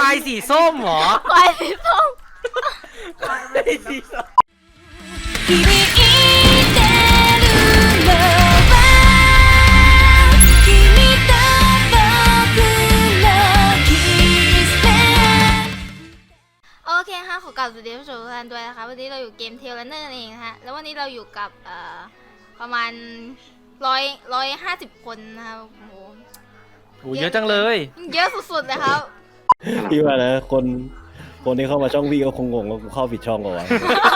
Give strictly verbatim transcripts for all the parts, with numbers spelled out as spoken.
ายสีส้มเหรอควายสีส้มควายสีส้ม響いてるのは君と僕のキスโอเคค่ะขอกลับสวัสดีผู้ชมทุกท่านด้วยนะคะวันนี้เราอยู่เกมเทเลนเนอร์เองนะฮะแล้ววันนี้เราอยู่กับเอ่อประมาณร้อยร้อยห้าสิบคนนะคะโอ้โหโหเยอะจังเลยเยอะสุดๆเลยครับพี่ว่านะคนคนที่เข้ามาช่องพี่ก็คงงงว่ากูเข้าผิดช่องก่อนวะ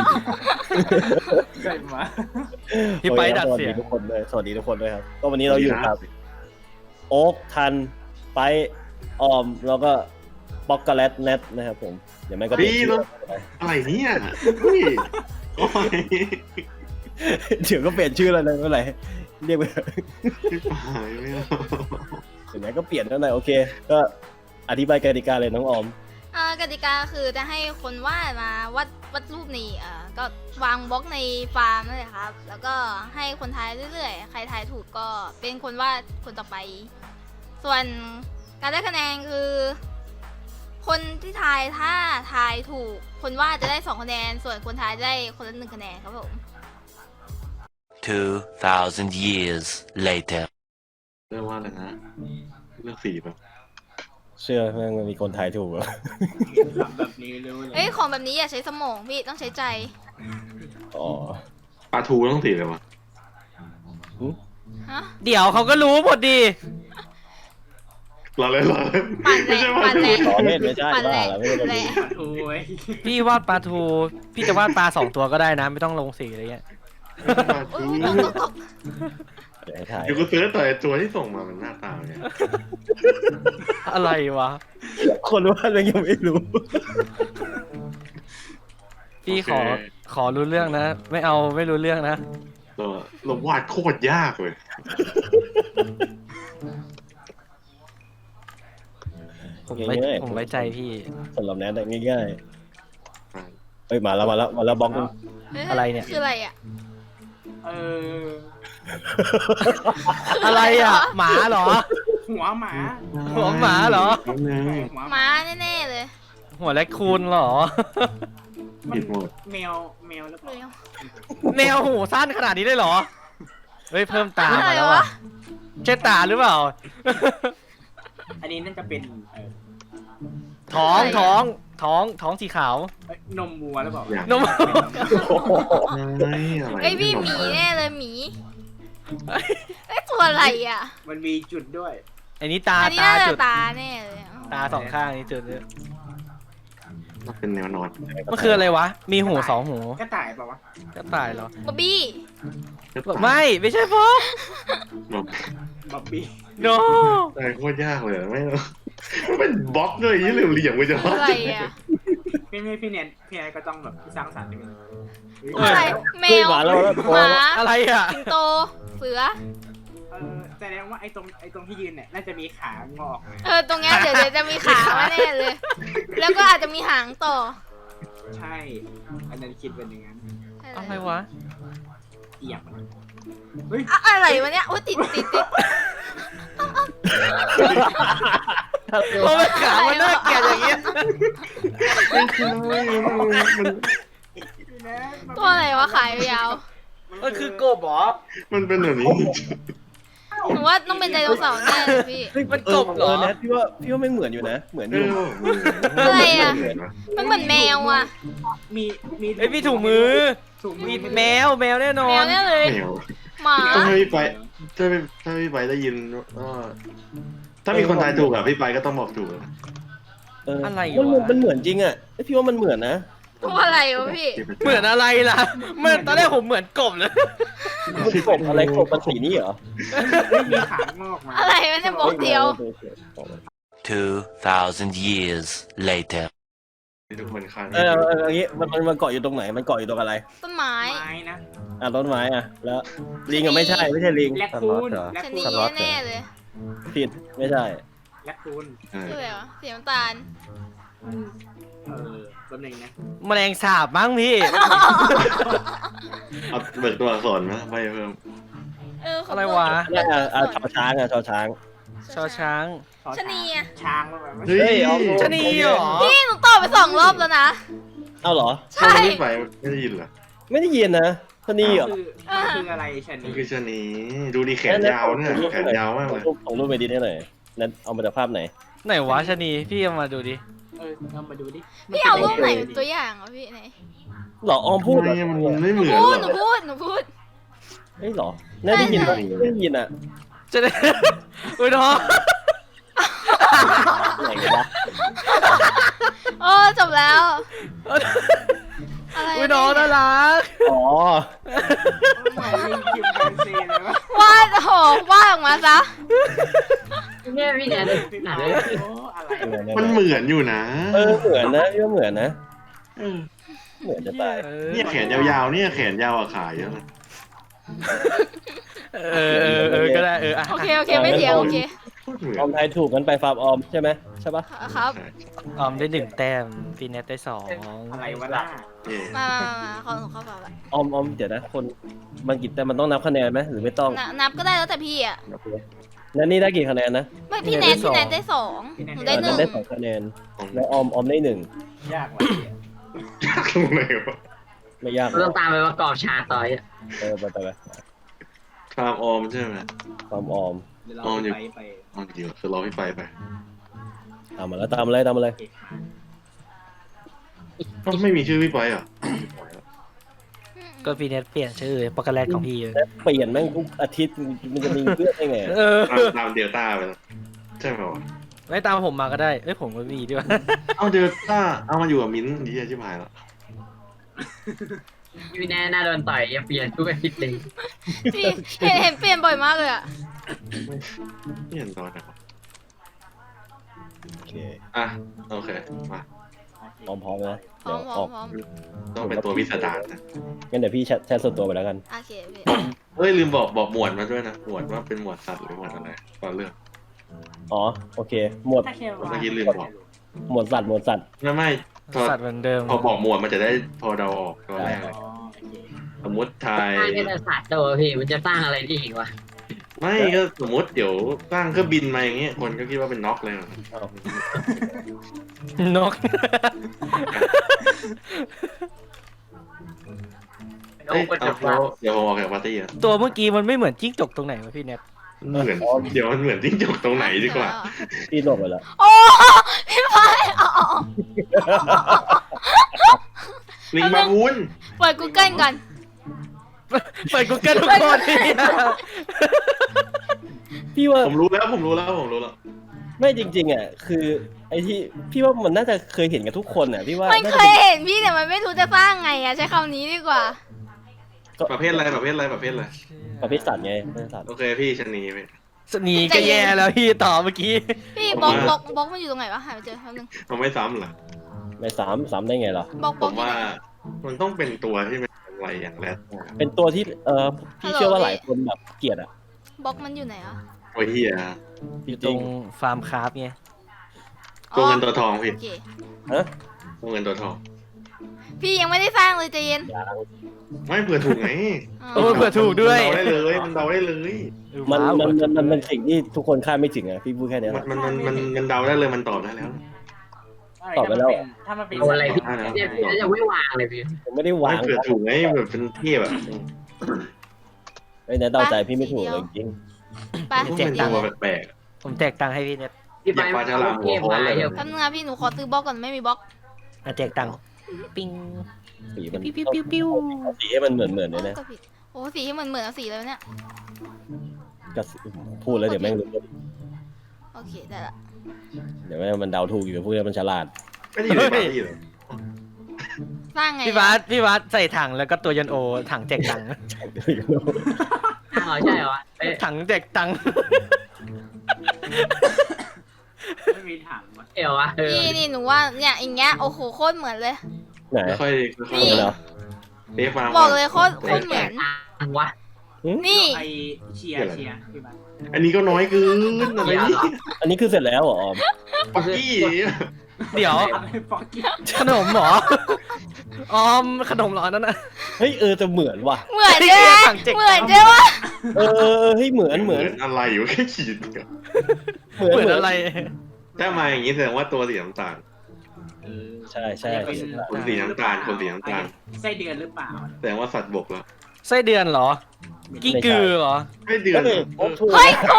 ใช่มาพี่ไปดัดเสียงสวัสดีทุกคนด้วยสวัสดีทุกคนด้วยครับก็วันนี้เราอยู่กับโอ๊กทันไปออมแล้วก็ป๊อกโกแลตเน็ตนะครับผมเดี๋ยวไม่ก็เปลี่ยนชื่ออะไรเนี่ยเฮ้ยโอ้ยเดี๋ยวก็เปลี่ยนชื่อแล้วนะเมื่อไหร่เรียกไปพี่ปายไม่เอาเดี๋ยวไหนก็เปลี่ยนแล้วนะโอเค ก็อธิบายกติกาเลยน้องออมอ่ากติกาคือจะให้คนวาดมาวาดวาดรูปในเอ่อก็วางบล็อกในฟาร์มนั่นแหละครับ แล้วก็ให้คนทายเรื่อยๆ ใครทายถูกก็เป็นคนวาดคนต่อไป ส่วนการได้คะแนนคือ คนที่ทายถ้าทายถูก คนวาดจะได้สองคะแนน ส่วนคนทายจะได้คนละหนึ่งคะแนนครับผม Two thousand years later. เรื่องว่าอะไรนะเรื่องสีแบบเชื่อแม่งมันมีคนทายถูกเหรอแบบนี้รู้เลยเอ้ยของแบบนี้อย่าใช้สมองพี่ต้องใช้ใจอ๋อปลาทูต้องสีเลยวะฮะเดี๋ยวเขาก็รู้หมดดีเราเลยเราเลยปั่นแหละไม่ใช่ปลาปั่นทูแหละต่อเล่นไม่ใช่ปั่นบ้าแหละแล้วไม่ได้แหละโอ้ยพี่วาดปลาทู พี่จะวาดปลาสองตัวก็ได้นะ ไม่ต้องลงสีอะไรเงี้ยปลาโอ้ทูยตกตกตกเดี๋ยวให้ถ่ายเดี๋ยวกูเสิร์ชต่อไอ้ตัวที่ส่งมามันหน้าตาเนี่ยอะไรวะคนว่าเรายังไม่รู้พี่ขอขอรู้เรื่องนะ ไม่เอาไม่รู้เรื่องนะเราเราวาดโคตรยากเลยผมไว้ง่ายๆผมไว้ใจพี่สำหรับแนทอะง่ายๆเอ้ยมาแล้วมาแล้วมาแล้วบล็อกนึงฮ้อะไรเนี่ยคืออะไรอ่ะเอออะไรอ่ะ หมาเหรอหัวหมาหัวหมาเหรอน้ำเนยหัวม้าแน่ๆเลยหัวแรคคูนเหรอผิดหมดแมวแมวหรือเปเร็ล่าวแมวหูสั้นขนาดนี้ได้เหรอ เฮ้ยเพิ่มตาอะไรมาแล้ววะอ่ะใช่ตาหรือเปล่าอันนี้น่าจะเป็นเออท้องท้องท้องท้องสีขาวเอ้ยนมวัวหรือเปล่าอย่างนมไม่อะไรไอยพี่หมีแน่เลยหมีไอยตัวอะไรอ่ะมันมีจุดด้วยอันนี้ตาอันนี้ตาน่าจะจุดตาแน่เลยอะตาสองข้างนี่จุดเนี่ยมันเป็นแนวนอนมันคืออะไรวะ มีหูสองหูกระต่ายเปล่าวะกระต่ายเหรอบ๊อบบี้ไม่ไม่ใช่พ่อแบบบ๊อบบี้โนอะไรโคตรยากเลยไม่เอาเป็นบล็อกเลยยี่เหลี่ยมเหลี่ยมไปจะตัววาดอะไรอ่ะพี่ไม่พี่เนียนพี่เนียนก็ต้องแบบสร้างสรรค์นิดนึงตัวอะไรแมเฮ้ยว มาแล้วแล้วหมาอะไรอ่ะสิงโตเสือเออแสดงว่าไอ้ตรงไอ้ตรงที่ยืนเนี่ยน่าจะมีขางอกเลยเออตรงเนี้ยเดี๋ยวเดี๋ยวจะมีขามาแน่เลย แล้วก็อาจจะมีหางต่อใช่ อันนั้นคิดเป็นอย่างนั้นอะไรวะเอียงมันเฮ้ยอะอะไรวะเนี่ยอุ้ยติดติดติดโอ้ยขามันน่าเกลียดอย่างเงี้ยมันคือไม่มันมันตัวอะไรวะขายยาวมันคือกบเหรอมันเป็นแบบนี้หนูว่าต้องเป็นไดโนเสาร์แน่เลยพี่มันกบเหรอเออแนทพี่ว่าพี่ว่าไม่เหมือนอยู่นะ เหมือนอเอยู่ ออะไรอะ มันเหมือนแมวอ่ะมีมีเอ้ยพี่ถุงมือถุงมืมีอแมวแมวแน่นอแมวน แน่เลยแมวหมาถ้าพี่ไปถ้าพี่ถ้าพี่ไปได้ยินว่าถ้ามีคนทายถูกอะพี่ไปก็ต้องบอกถูกอะเอออะไรมันวะมันเหมือนจริงอ่ะเอ้ยพี่ว่ามันเหมือนนะตัวอะไรวะพี่เหมือนอะไรล่ะเหมือนตอนแรกผมเหมือนกบเลยมันกบอะไรกบมันสีนี้เหรอมีขางอกมาอะไรวะเนี่ยบอกเดียว Two thousand years later. ทุกคนค้างเออเอออย่างงี้มันมันมันเกาะอยู่ตรงไหนมันเกาะอยู่ตรงอะไรต้นไม้ไม้นะอ่ะต้นไม้อ่ะแล้วลิงอ่ะไม่ใช่ไม่ใช่ลิงแลคคูนแลคชะคูนีนแน่ๆเลยผิดไม่ใช่แลคคูนใช่คืออะไรวะสีน้ำตาลเออแป๊บนึงนะแมลงสาบมั้งพี่เอาเบิกตัวอักษรนะไปเพิ่มเออขอะไรวะอ่ะอ่ะอ่ะชอช้างอ่ะชอช้างชชอช้างชะนีอะช้างแบบเฮ้ยเอาชะนีเหรอพี่หนูตอบไปสองรอบแล้วนะเอาเหรอใช่พี่ไปไม่ได้ยินเหรอไม่ได้ยินนะชะนีเหรอคือมันคืออะไรชะมันีนคือชะนีดูดีแขนยาวเนี่ยแขนยาวมากเลยรูปของรูปไปดิได้หน่อยนั้นเอามาจากภาพไหนไหนวะชะนีพี่เอามาดูดิเออเอามาดูดิพี่เอารูปไหนเป็นตัวอย่างอ่ะพี่ไหนหรอออมพูดเหรอทำไมมันไม่เหมือนพูดหหรนูอพูดหนูพูดเฮ้ยหรอน่าได้ยินใช่ไม่ได้ยินอ่ะจะได้ อุ้ยน้องไหนกันวะโอ้จบแล้ว อะไรอุ้ยน้องน่ารักอ๋อเหมือนลิงคิมแปนซีเลยวะวาดโอ้โหวาดออกมาซะเนี่ยพี่เนี่ยหนาเลยโอ้อะไรมันเหมือนอยู่นะเออเหมือนนะพี่ว่าเหมือนนะเออเหมือนจะตายเออเนี่ยแขนยาวๆเนี่ยแขนยาวอะขาเยอะนะเออเออเออก็ได้เอออ่ะโอเคโอเคไม่เถียงโอเคโคตรเหมือนออมทายถูกกันไปฟาร์มออมใช่ไหมใช่ปะครับใช่ออมได้หนึ่งแต้มฟีเนตได้สองอะไรวะล่ะเย่มามามาขอหนูเข้าไปละออมออมเดี๋ยวนะคนมันกี่แต่มันต้องนับคะแนนไหมหรือไม่ต้องนับนับก็ได้แล้วแต่พี่อ่ะแล้วนี่ได้กี่คะแนนนะไม่พี่แนทพี่แนทได้สองหนูได้หนึ่งได้สองคะแนนแล้วออมออมได้หนึ่งยากว่ะยากตรงไหนวะไม่ยากเราต้องตามไปประกอบฉากต่อยอะเออไปไปไปฟาร์มออมใช่ไหมฟาร์มออมเดี๋ยวเราอ๋ออยู่ไปไปออมจริงๆคือรอพี่ไปไปตามมาแล้วตามมาเลยตามมาเลยเก็บมาเอ้าไม่มีชื่อพี่ไปเหรอก็ฟีเนตเปลี่ยนชื่อปอกโกแลตของพี่เลยแล้วเปลี่ยนแม่งทุกอาทิตย์มันจะมีเพื่อนได้ไงเออตามตามเดลต้าไปแล้วใช่ไหมวะไม่ตามผมมาก็ได้เอ้ยผมก็มีด้วยเอาเดลต้าเอามาอยู่กับมิ้นท์ดีชิบหายแล้วพี่แน่น่าโดนต่อยอย่าเปลี่ยนทุกอาทิตย์เลยพี่เห็นเห็นเปลี่ยนบ่อยมากเลยอ่ะไม่เห็นตอนไหนวะโอเคอ่ะโอเคมาพร้อมพร้อมนะพร้เดี๋อยวมพร้อออมกพร้อมต้องเป็นตัวพิสดารนะงั้นเดี๋ยวพี่แชทแชทส่วนตัวไปแล้วกันโอเคพี่เฮ้ยลืมบอกบอกหมวดมาด้วยนะหมวดว่าเป็นหมวดสัตว์หรือหมวดอะไรก่อนเรื่องอ๋อโอเค หมวดถ้าแค่ว่าเมื่อกี้ลืมบอกหมวดสัตว์หมวดสัตว์ไม่ไม่พอสัตว์เหมือนเดิมพอบอกหมวดมันจะได้พอเดาออกตอนแรกเลยอ๋อโอเคสมมติไทยสร้างแค่แต่ศาสตร์ตัวพี่มันจะสร้างอะไรได้อีกวะไม่ก็สมมติเดี๋ยวสร้างเครื่องบินมาอย่างเงี้ยคนก็คิดว่าเป็นน็อกเลยนะนกโอ้เอ้ยคนเอาจะเดี๋ยวเดี๋ยวผมออกจากปาร์ตี้อ่ะตัวเมื่อกี้มันไม่เหมือนจิ้งจกตรงไหนวะพี่เน็ตเหมือนเดี๋ยวมันเหมือนจิ้งจกตรงไหนดีกว่าพี่หลบไปแล้วโอ้พี่พายเอาเอาเอาลิงบาบูนเปิด Google ก่อนเปิดกูเกิลทุกคนพี่ว่าผมรู้แล้วผมรู้แล้วผมรู้แล้วไม่จริงๆอ่ะคือไอ้ที่พี่ว่ามันน่าจะเคยเห็นกันทุกคนอ่ะพี่ว่ามันน่าเคจะยเห็นพี่แต่มันไม่รู้จะสร้างไงอะใช้คำนี้ดีกว่าประเภทอะไรประเภทอะไรประเภทอะไรประเภทสัตว์ไงประเภทสัตว์โอเคพี่ชะนีไปสนีก็แย่แล้วพี่ต่อเมื่อกี้พี่บล็อกบล็อกบล็อกมันอยู่ตรงไหนวะหาไปเจอแป๊บนึงมันไม่ซ้ำเหรอไม่สามสามได้ไงเหรอบล็อกบผล็อกมอยู่ว่าไหนมันต้องเป็นตัวที่เป็นอะไรอย่างแรกเป็นตัวที่เออพี่เชื่อว่าหลายคนแบบเกลียดอ่ะบล็อกมันอยู่ไหนอะโอ้ยเฮียอยู่ตรงฟาร์มคราฟไงตัวเงินตัวทองพี่โอเคฮะตัวเงินตัวทองพี่ยังไม่ได้สร้างเลยใจเย็นยางไม่เผื่อถูกไงโอ้เผื่อถูกด้วยมันเดาได้เลยมันเดาได้เลยมันว้าวมันมันมันเป็นสิ่งที่ทุกคนคาดไม่ถึงอ่ะพี่พูดแค่นี้แหมันละมันมันมันมันเดาได้เลยมันตอบได้แล้วตอบไปแล้วถ้ามันเป็นเอาอะไรพี่อ่านะเนี่ยพี่จะไม่วางเลยพี่ผมไม่ได้ไม่วางเผื่อถูกไงแบบเป็นเทพอะไอ้เนี่ยเดาใจพี่ไม่ถูกเลยจริงไปพวกเดี๋มันยวตัวแปลกผมแจกตังค์ให้พี่เน็ตพี่ไปอยากปลาฉลามหัเกวมโค้งมาเลยเดี๋ยวแป๊บนึงนะพี่หนูขอซื้อบล็อกก่อนไม่มีบล็อกอ่ะแจกตังค์ปิ้งสีมันปิ้วปิ้วปิ้วปิ้วเอาสีให้มันเหมือนเหมือนเลยโอ้นะก็ผิดโอ้สีที่เหมือนเหมือนเอาสีเลยเนี่ยก็พูดแล้วเดี๋ยวแม่งรู้โอเคได้ละเดี๋ยวแม่งมันเดาถูกอยู่พูดแล้วมันฉลาดไม่ได้อยู่ในปาร์ตี้เหรอสร้างไงพี่บาสพี่บาสใส่ถังแล้วก็ตัวยันโอถังแจกตังค์อ้าวใช่เหรอเอ้ยถังแจกตังค์ไม่มีถังวะเดี๋ยววะเออพี่นี่หนูว่าเนี่ยอย่างเงี้ยโอ้โหโคตรเหมือนเลยไหนค่อยค่อยนี่เหรอเรียกมาบอกเลยโคตรโคตรเหมือนอังวะนี่ไอเชียร์เชียร์พี่บ้านอันนี้ก็น้อยเกินอะไรนี่อันนี้คือเสร็จแล้วเหรอออมปักกี้เดี๋ยวอะไรฟอกกี้ขนมเหรอออมขนมเหรอนั่นน่ะเฮ้ยเออจะเหมือนว่ะเหมือนใช่ไหมสั่งเจ๊กเหมือนใช่ไหมเออเออเออเฮ้ยเหมือนเหมือนอะไรอยู่แค่ขีดเดียวเหมือนเหมือนเหมือนอะไรถ้ามาอย่างนี้แสดงว่าตัวสีน้ำตาลใช่ใช่คนสีน้ำตาลคนสีน้ำตาลไส้เดือนหรือเปล่าแสดงว่าสัตว์บกแล้วไส้เดือนเหรอ กิ้งกือเหรอไม่เดือก็นเลยโอ๊คถูกเฮ้ยโอ้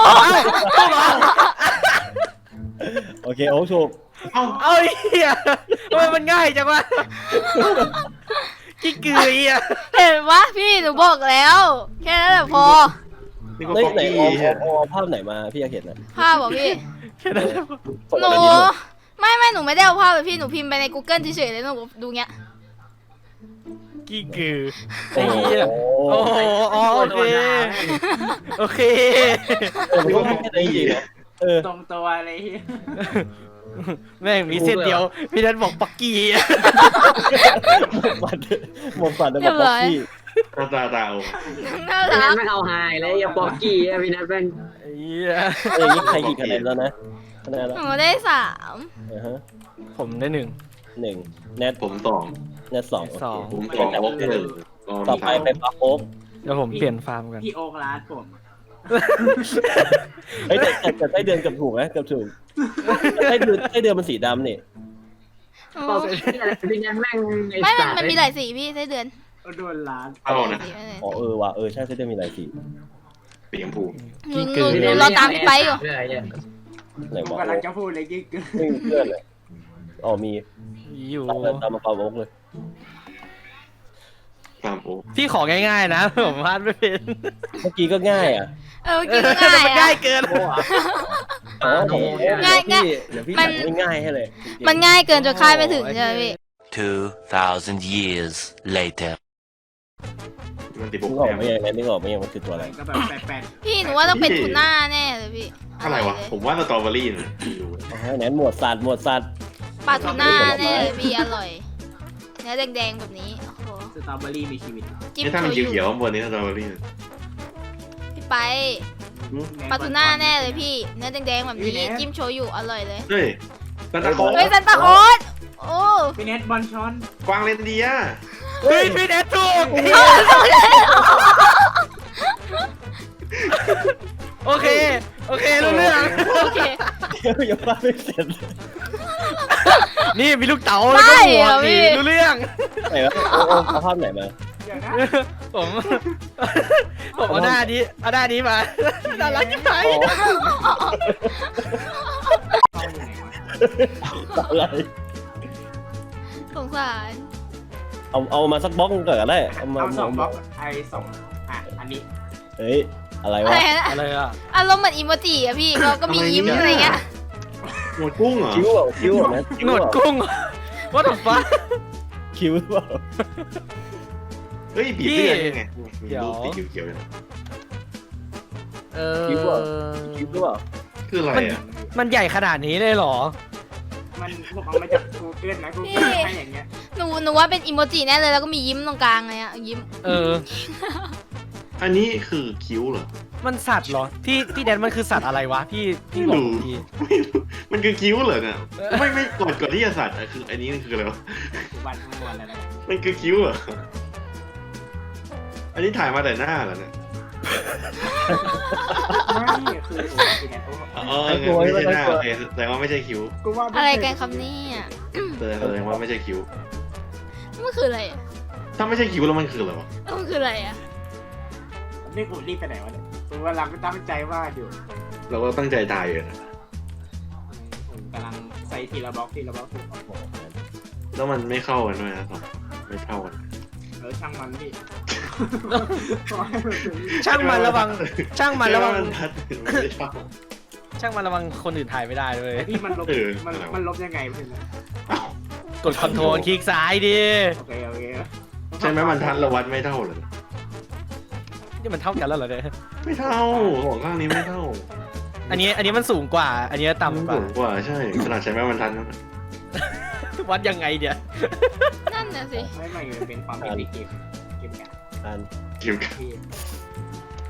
โอเคโอ๊คถูกเอ้าเอาไอ้เหี้ยทำไมมันง่ายจังวะกิ้งกือไอ้เหี้ยเห็นปะพี่หนูบอกแล้ว แค่นั้นแหละพอนี่ก็เฮ้ยป๊อกไหนกี้ออมออมเอาภาพไหนมาพี่อยากเห็นนะภาพบอกพี่แค่นั้นส่งหนูอะไรดีดูไม่ไม่หนูไม่ได้เอาภาพไปพี่หนูพิมพ์ไปใน Google เฉยๆเลยหนูดูเงี้ยกิ้งกือโอ้ไอ้โหเหี้ยโอ้โหอ๋อโอเคโอเคเออมันก็ไม่ได้จริงๆนะเออตรงตัวอะไรเงี้ยแม่งมีเส้นเดียวพี่นัทบอกปักกี้หมดฝันหมดฝันแล้วแบบป๊อกกี้หน้าตาตาโอ้น่าพี่รันักทไม่เอาไฮเลยอย่าบอกกี้อะพี่นัทเป็นไอ้เหี้ยเออนี่ใครกี่คะแนนแล้วนะคะแนนแล้วหนูได้สามอ่าฮะผมได้หนึ่งหนึ่งแนทผมสองแนทสองสองผมสองโอ๊กหนึ่งต่อไปเป็นปักโอ๊กเดี๋ยวผมเปลี่ยนฟาร์มกันพี่โอ๊กร้านผมเฮ้ยแต่แต่แต่ไส้เดือนเกับถูกไหมเกับถูกไส้เดือนไส้เดือนมันสีดำนี่โอ้บอกพี่อะไรพี่นัทแม่งไอ้ไม่มันสัตว์มันมีหลายสีพี่ไส้เดือนโดนร้านเอานะสีไม่เลยอ๋อเออว่ะเออใช่ไส้เดือนมีหลายสีสีชมพูหนูหนูหนูรอตามพี่ไปอยู่เลยเนี่ยไหนผมวะกำลังจะพูดเลยยิ่งเกินไม่มีเพื่อนเลยอ๋อมีอยู่ตามเลยตามมาเปาโอ๊กเลยสามโอ๊กพี่ของ่ายๆนะ ผมพลาดไม่เป็นเมื่อกี้ก็ง่ายอ่ะเออกินง่ายมันอะง่ายเกินอ๋อผมง่ายง่ายเดี๋ยวพี่มัจันดง่ายๆให้เลยมันง่ายเกินจนคาดไม่ถึงใช่ไหมพี่ Two thousand years later. มันติดบนึกกออกแต้มไหมยังไงนึกออกไหมยังมันคือตัวอะไรก็แบบแปลกพี่หนูว่าต้องเป็นทูน่าแน่เลยพี่อะไรวะ ผมว่าสตรอเบอรี่นะดูอ๋อนั้นหมวดสัตว์หมวดสัตว์ปลาทูน่าแน่เลยพี่อร่อยเนื้อแดงๆแบบนี้โอ้โหๆสตรอเบอรี่มีชีวิตจิ้มนี่ถ้าโชมันยุเขียวๆข้างบนนี้สตรอเบอรี่นะพี่ไปปลาทูน่าแน่เลยพี่ เนื้อแดงๆแบบนี้จิ้มโชยุอร่อยเลยเฮ้ยซันตาคลอเฮ้ยสซันตาคลอสโอ้พี่เน็ตบอลช้อนกวางเลนเดียเฮ้ยพี่แนทถูกโอเค โอเครู้เรื่องโอเคยังว่าไม่เสร็จนี่มีลูกเต๋าแล้วก็ไม่หัวเหรอสีพี่รู้เรื่องไหนวะเอาเอาเอาภาพไหนมาเดี๋ยวนะผม ผมเอาหน้านี้เอาหน้านี้มาน่ารักจังเลยอะไรสงสารเอาเอามาสักบล็อกหนึ่งก่อนก็ได้เอามาเอาสองบล็อกไอสองอ่ะอันนี้เฮ้ยอะไรอะวะไรนะอะไรอ่ะอารมณ์เหมือนอีโมจิอะพี่เราก็มียิ้มอะไรเงี้ยหมวดกุ้งเหรอคิ้วเหรอคิ้วเหรอนะคิ้หนวดเหรอกุ้ง ว่าถฟ้าคิ้วหรือเปล่าเฮ้ยบีบเลือดยังไงมีเดี๋ยวรูปสีเขียวๆอยู่เออคิ้วเหรอคิ้วหรือเปล่าคืออะไรอ่ะมันใหญ่ขนาดนี้เลยเหรอมันผมเอามาจากกูเกิลนะกูเกิลให้อย่างเงี้ยหนูหนูว่าเป็นอีโมจิแน่เลยแล้วก็มียิ้มตรงกลางเลยอะยิ้มเอออันนี้คือคิ้วเหรอมันสัตว์เหรอ พี่พี่แดนมันคือสัตว์อะไรวะ พี่พี่บอกผมทีไม่รู้มันคือคิ้วเหรอเนี่ยไม่ไม่ก่อนก่อนที่จะสัตว์อะคือ อันนี้มันคืออะไรวะกูวันกูวันแล้วนะมันคือคิ้วเหรออันนี้ถ่ายมาแต่หน้าเหรอเนี่ยไม่คือโอ้ยพี่เน็ตโอ้อ๋องั้นไม่ใช่หน้าโอเคแสดงว่าไม่ใช่คิ้วกูว่าอะไรกันครับเนี่ยแสดงแสดงว่าไม่ใช่คิ้วมันคืออะไรอะถ้าไม่ใช่คิ้วแล้วมันคืออะไรวะมันคืออะไรอะนี่กูรีบไปไหนวะเนี่ยกูกำลังตั้งใจวาดอยู่เราก็ตั้งใจถ่ายอยู่นะผมกำลังใส่ทีละบล็อกทีละบล็อกทีละบล็อกแล้วมันไม่เข้ากันด้วยนะสองไม่เท่ากันเออช่างมันพี่ช่างมันระวัง ช่างมันระวังใช่ไหมันทัดมันไม่เท่าช่างมันระวังคนอื่นถ่ายไม่ได้เลยพี่มันลบเออมันอะไรวะมันลบยังไงพี่นะอ้าวกดคอนโทรลคลิกซ้ายดิโอเคโอเคใช่ไหมมันทัดเราวัดไม่เท่าเลยนี่มันเท่ากันแล้วเหรอเนี่ยไม่เท่าสองข้างนี้ไม่เท่าอันนี้อันนี้มันสูงกว่า อันนี้มันต่ำกว่าสูงกว่าใช่ขนาดใช้แม่มันทันนั่นน่ะวัดยังไงเดี๋ยวนั่นน่ะสิไม่ไม่มันเป็นความเป็นเกมเกมกันอ่านคิ้วกันพี่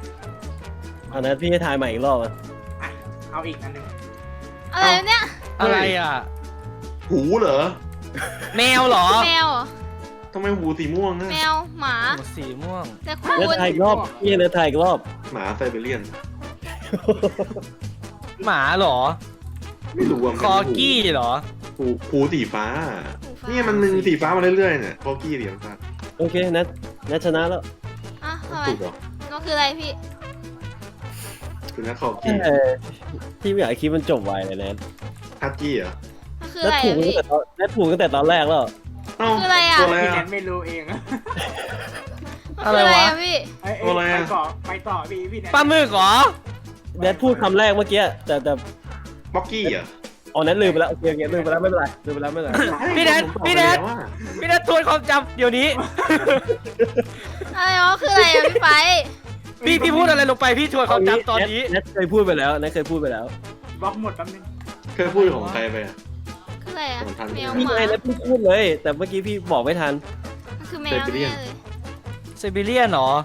อันนั้นพี่ให้ทายใหม่อีกรอบอ่ะอ่ะเอาอีกอันหนึ่งอะไรเนี่ยอะไรอ่ะหูเหรอแมวเหรอแมวเหรอทำไมหูสีม่วงอะแมวหมาโอ้สีม่วงแต่คูแล้วณทายอีกรอบพี่ให้ทายอีกรอบหมาไซบีเรียนหมาเหรอไม่รู้ว่าคอกี้เหรอหูหูสีฟ้าเนี่ยมันมึงสีฟ้ามาเรื่อยๆเนี่ยคอกี้เหรียญฟ้าโอเคนัทนัทชนะแล้วอ่ะทำไมถูกเหรอมันคืออะไรพี่คือนะคอกี้เออพี่ไม่อยากให้คลิปมันจบไวเลยนะฮัตกี้เหรอมันคือนัอะทไรถูกอะตั้งพี่แต่ตอนนัทถูกตั้งแต่ตอนแรกแล้วเอ้าคืออะไรอะตัวอะไรพี่แนอะนไม่รู้เองมันอะไรคืออะไรวะอะพี่เอ้ยตัวอะไรเอ้ยอะไปต่อไปต่อพี่พี่แนนปลาหมึกเหรอแนทพูดคำแรกเมื่อกี้แต่แต่บ็อกกี้เหรออ๋อนัทลืมไปแล้วโอเคโอเคลืมไปแล้วไม่เป็นไรลืมไปแล้วไม่เป็นไรพี่แนทผมตอบพี่แนทไปล้วอะพี่นัททวนความจำเดี๋ยวนี้อะไรวะคืออะไรอะพี่ไปพี่พี่พูดอะไรลงไปพี่ทวนความจำตอนนี้แนทเคยพูดไปแล้วแนทเคยพูดไปแล้วบล็อกหมดแป๊บนึงเคยพูดของใครไปอะคืออะไรอะผมทันแมวพี่หมาไงนัทเพิ่งพูดเลย แต่เมื่อกี้พี่บอกไม่ทันมันคือแมวแน่เลยไซบีเรียนเหรอ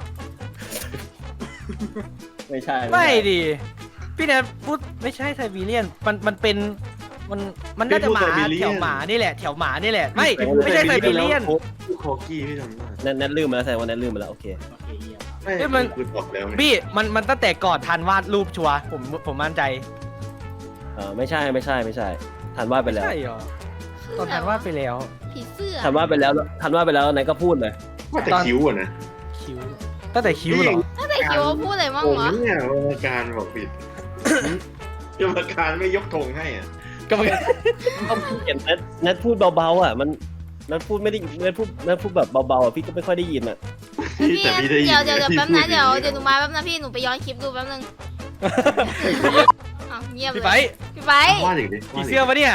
ไม่ใช่ไม่ดิ พี่แนทพูดไม่ใช่ไซบีเรียน มันมันเป็น มันมันน่าจะหมาแถวหมานี่แหละแถวหมานี่แหละ ไม่ไม่ใช่ไซบีเรียนพูดคอกี้พี่จำได้แนทแนทลืมมาแล้วแสดงว่าแนทลืมมาแล้วโอเคโอเคเยี่ยมไม่เอ้ยมันคือบอกแล้วไงพี่มันมันตั้งแต่ก่อนทันวาดรูปชัวร์ผมผมมั่นใจเออไม่ใช่ไม่ใช่ไม่ใช่ทันว่าดไปแล้วใช่เหรอคือตอนอะไรทันวาดไปแล้วผีเสื้อทันว่าดไปแล้วทันว่าดไปแล้วไหนก็พูดเลยว่าแต่ตอนคิ้วอะนะคิ้วตั้งแต่คิ้วเหรอถ้าแต่คิวว่าพูดอะไรบ้างโอ้วะเนี่ยกรรมการบอกผิดกรรมการไม่ยกธงให้อ่ะก็มันเห็นแนทแนทพูดเบาๆอ่ะมันแนทพูดไม่ได้แนทพูดแนทพูดแบบเบาๆอ่ะพี่ก็ไม่ค่อยได้ยินอ่ะพี่แต่พี่ได้ยินเดี๋ยวเดี๋ยวเดี๋ยวพี่แป๊บนะพูเดี๋ยวอางเดี๋ยวหนูมาแป๊บนะพี่หนูไปย้อนคลิปดูแป๊บนึงอ้าวเงียบเลพี่ไปยพี่ไปว่าอย่างนี้ผีเสื้อปะเนี่ย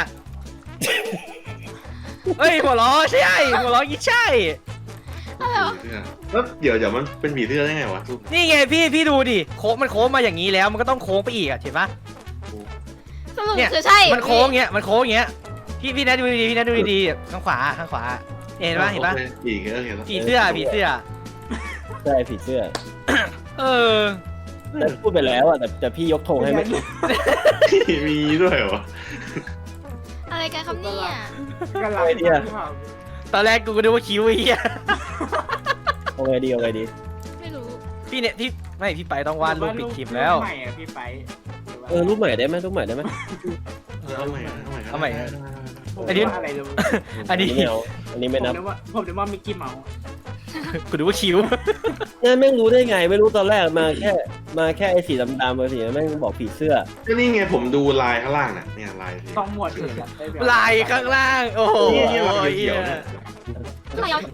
เฮ้ยหัวล้อใช่หัวล้อยี่ใช่อะไรวะผีเสื้อแล้วเดี๋ยวเดี๋ยวมันเป็นผีเสื้อได้ไงวะทุกนี่ไงพี่พี่ดูดิโค้งมันโค้งมาอย่างนี้แล้วมันก็ต้องโค้งไปอีกอะเห็นปะสรุปเนี่ยคือใช่มันโค้งเงี้ยมันโค้งเงี้ยพี่พี่นัทดูดีๆพี่นัทดูดีๆข้างขวาข้างขวาเห็นปะเห็นปะโอคผีเออเห็นแล้วผีเสื้อผีเสื้อใช่ผีเสื้อเออแนทพูดไปแล้วอ่ะแต่แต่พี่ยกธงให้ไม่มีด้วยเหรออะไรกันครับเนี่ยก็รับไอเดียตอนแรกกูก็นึกว่าคิ้วไอ้เหี้ยโอเคดีโอเคดีไม่รู้พี่เนี่ยพี่ไม่พี่ไปต้องวาดรูปปิดคลิปแล้วรูปใหม่อะพี่ไปเออรูปใหม่ได้ไหมรูปใหม่ได้ไหมเอาใหม่เอาใหม่เอาใหม่ได้ได้ได้ผมอันนี้ว่าอะไรรู้อันนี้ไม่เอาอันนี้ผไม่มนับนึกว่าผมนึกว่ามิกกี้เมาส์กูนึกว่าคิ้วเนี่ยแม่งรู้ได้ไง ไม่รู้ตอนแรกมาแค่มาแค่ไอ้สีดำๆมาสีแม่งบอกผีเสื้อก็นี่ไงผมดูลายข้างล่างน่ะเนี่ยลายสีต้องหมวดอื่นอะได้แบบลายข้างล่าง โอ้โหนี่นี่ลายเขียวๆเนี่ยไม่เอา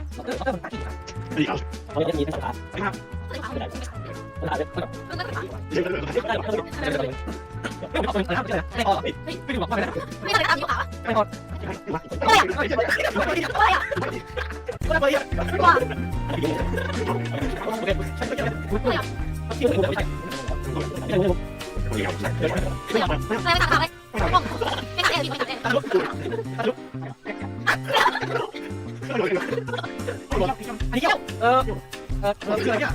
เขาจะมีภาษาไม่ใช่ตามยูขาวว่าอะไรไม่ตามอะไรไม่ใช่ไม่ใช่เออเออคืออะไรเนี่ย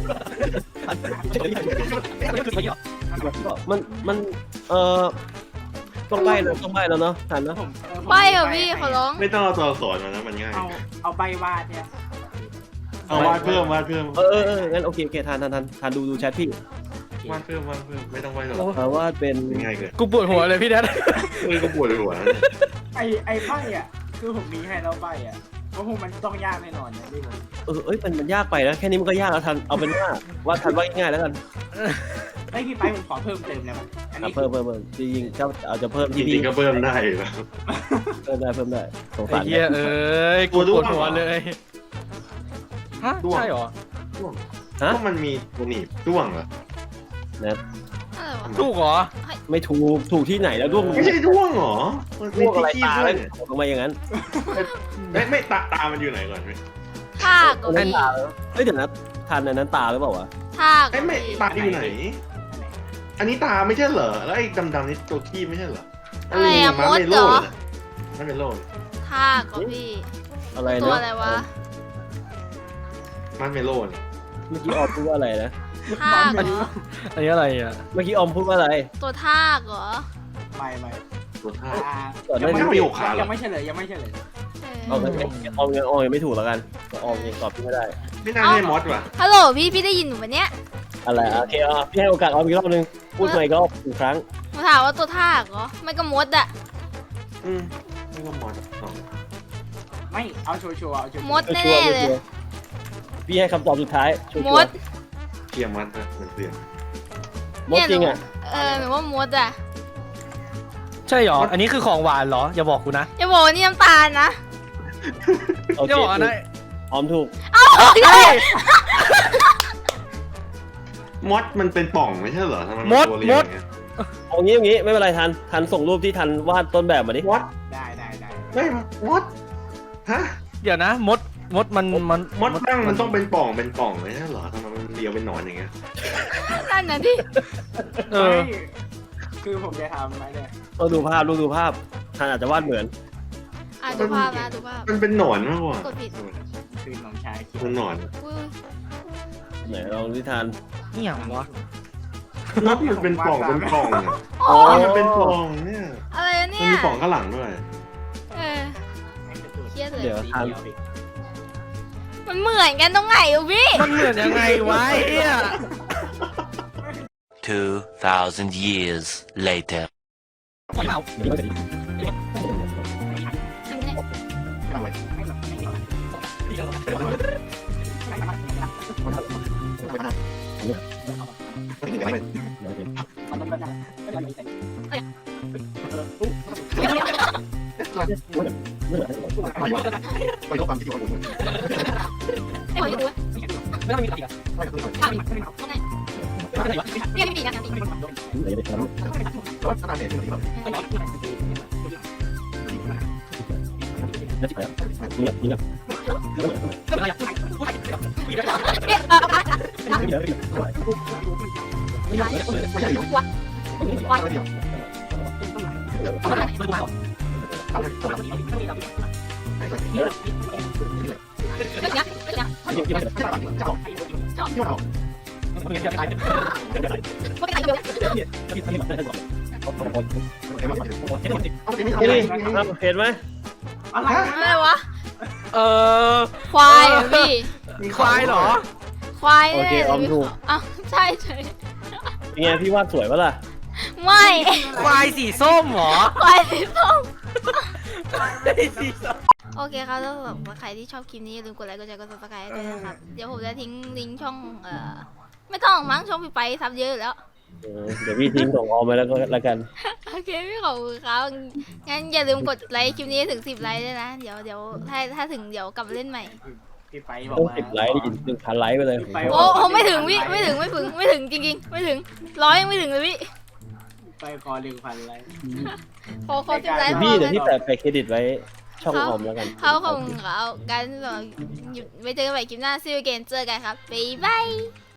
มันมันเออต้องใบแล้วต้องใบแล้วเนาะทันเนาะผมเออผมไปเหรอพี่ขอร้องไม่ต้องเอาตัวอักษรมานะมันง่ายเอาเอาใบวาดเนี่ยเอาวาดเพิ่มวาดเพิ่มเออเออเอองั้นโอเคโอเคทันทันทันทันดูดูแชทพี่วาดเพิ่มวาดเพิ่มไม่ต้องวาดหรอกเออว่าเป็นง่ายเกินกูปวดหัวเลยพี่นัทเออก็ปวดหัวนะเนี่ยไอไอใบอ่ะคือผมมีให้แล้วใบอ่ะเพราะผมมันต้องยากแน่นอนเนี่ยพี่ผมเออเอ้ยมันมันยากไปนะแค่นี้มันก็ยากแล้วทันเอาเป็นว่าว่าทันว่าง่ายๆแล้วกันไอยพี่ไปผมขอเพิ่มเติมเลยมั้ยอันอ่ะนี้เพิ่มเพิ่มเพิ่มจริงๆถ้าเอาจะเพิ่มจที่ริพี่งๆก็เพิ่มได้อยู่แล้วเพิ่มได้เพิ่มได้สงไอ้สารเหี้ยเอ้ยกูปวดหัวเลยฮะใช่เหรอด้วงฮะก็มันมีตัวหนีบด้วงเหรอนะอะไรวะถูกเหรอไม่ถูกถูกที่ไหนแล้วด้วงไม่ใช่ด้วงเหรอมันด้วงอะไรที่ตาด้วแล้ยว เนี่ยลงมาอย่างนั้นไม่ไม่ตาตามันอยู่ไหนก่อนไหมทากก็นั่นพี่ตาเฮ้ยเดี๋ยวนะทันอันนั้นตาหรือเปล่าวะทากไอ้ไม่ตาอยู่ไหน อันนี้ตาไม่ใช่เหรอแล้วไอ้ดำๆนี่ตัวขี้ไม่ใช่เหรออะไรอะมมาดเมเหรโล่อน่ะมาเมโล่ทากก็พี่อะไรตัวนะอะไรวะมาเมโล่เนี่ยเมื่อกี้ออกพูดว่าอะไรนะทากเหรออันนี้อะไรอ่ะเมื่อกี้ออมพูดว่าอะไรตัวทากเหรอไม่ไม่ตัวท่าอ่าก่อนหยัน้าง นี้ไม่ประโยคขาเหรอยังไม่เฉลยยังไม่เฉลยเอเอาองั้นออมยังออมยังไม่ถูกแล้วกันออมยังตอบพี่ไม่ได้ไม่น่าใช่มอสว่ะฮัลโหลพี่พี่ได้ยินหนูปะเนี่ยอะไรอ่ะโอเคอ่ะพี่ให้โอกาสออมอีกรอบนึงพูดใหม่อีกรอบอีกครั้งหนูถามว่าตัวทากเหรอ ไม่ก็มดอะอืมไม่ว่ามอสสองไม่เอาชัวร์ๆเอาชัวร์ๆมดแน่ๆเลยพี่ให้คำตอบสุดท้ายชัวร์ๆมดเทียมมอสนะเหมือนเสียงมดจริงอ่ะเออหนูว่ามดอะใช่หรอ อันนี้คือของหวานเหรอ อย่าบอกกูนะอย่าบอกว่านี่น้ำตาลนะโออย่าเคบอกอันนั้นออมถูกมอสมันเป็นป่องไม่ใช่เหรอทำไมนมดตัวเรียวอย่างเงี้ยเอางี้อย่างงี้ไม่เป็นไรทันทันส่งรูปที่ทันวาดต้นแบบมาดิมอสได้ได้ได้ไม่มอสฮะเดี๋ยวนะ มด มดมันมันมอสตั้งมันต้องเป็นป่องเป็นป่องไม่ใช่เหรอทำไมมันเรียวเป็นหนอนอย่างเงี้ยนั่นน่ะที่เออไม่คือผมจะทำอะไรเนี่ยต้องดูภาพดูดูภาพทันอาจจะวาดเหมือนอ่ะดูภาพนะดูภาพมันเป็นหนอนมากกว่ากดผิดคือน้องชายคิดมันหนอนอุ้ยไหนลองที่ทันนี่อย่างวะมอสมันเป็นป่องเป็นป่องอะอ๋อมันเป็นป่องเนี่ยอะไรอะมัเนี่นยมีป่องข้างหลังด้วยเออ เครียดเลยเดี๋ยวสีทันเขียวดิมันเหมือนกันตรงไหนอูพี่มันเหมือนยังไงวะไอ้เนี่ย Two thousand years later. ไม่ขอดูไม่ต้องมีอีกอ่ะเนี่ยไม่มีนะนี่เห็นไหมอะไรอะไรวะเออควายเหรอพี่ควายเหรอควายโอเคออมถูกอ้าวใช่ใช่เป็นไงพี่วาดสวยปะล่ะไม่ควายสีส้มเหรอควายสีส้มไม่สีส้มโอเคครับแล้วสำหรับใครที่ชอบคลิปนี้อย่าลืมกดไลค์กดแชร์กดซับสไครต์ด้วยนะครับ เดี๋ยวผมจะทิ้งลิงก์ช่องเอ่อไม่ต้องมั้งช่องพี่ไปซับเยอะอยู่แล้วเออเดี๋ยวพี่ทิ้งส่งออมไปแล้วก็แล้วกันโอเคพี่ขอบคุณครับงั้นอย่าลืมกดไลค์คลิปนี้ให้ถึงสิบไลค์ด้วยนะ เดี๋ยวเดี๋ยวถ้าถ้าถึงเดี๋ยวกลับมาเล่นใหม่พี่ไปบอกต้องว่าสิบไลค์ดิหนึ่งพันไลค์ไปเลยพี่ไปบโอ้กโหไม่ถึงพี่ไม่ถึงไม่ถึงไม่ถึงจริงๆ ไม่ถึงร้อยยังไม่ถึงเลยพี่ไปขอหนึ่งพันไลค์ขอขอสิบไลค์พพี่อเดี๋ยวกันพี่แปะแปะเครดิตไว้ช่องออมแล้วกันเขาคงเขากันสำหรับหยุดไว้เจอกันใหม่คลิปหน้าซิลเกนเจอกันครับบ๊ายบาย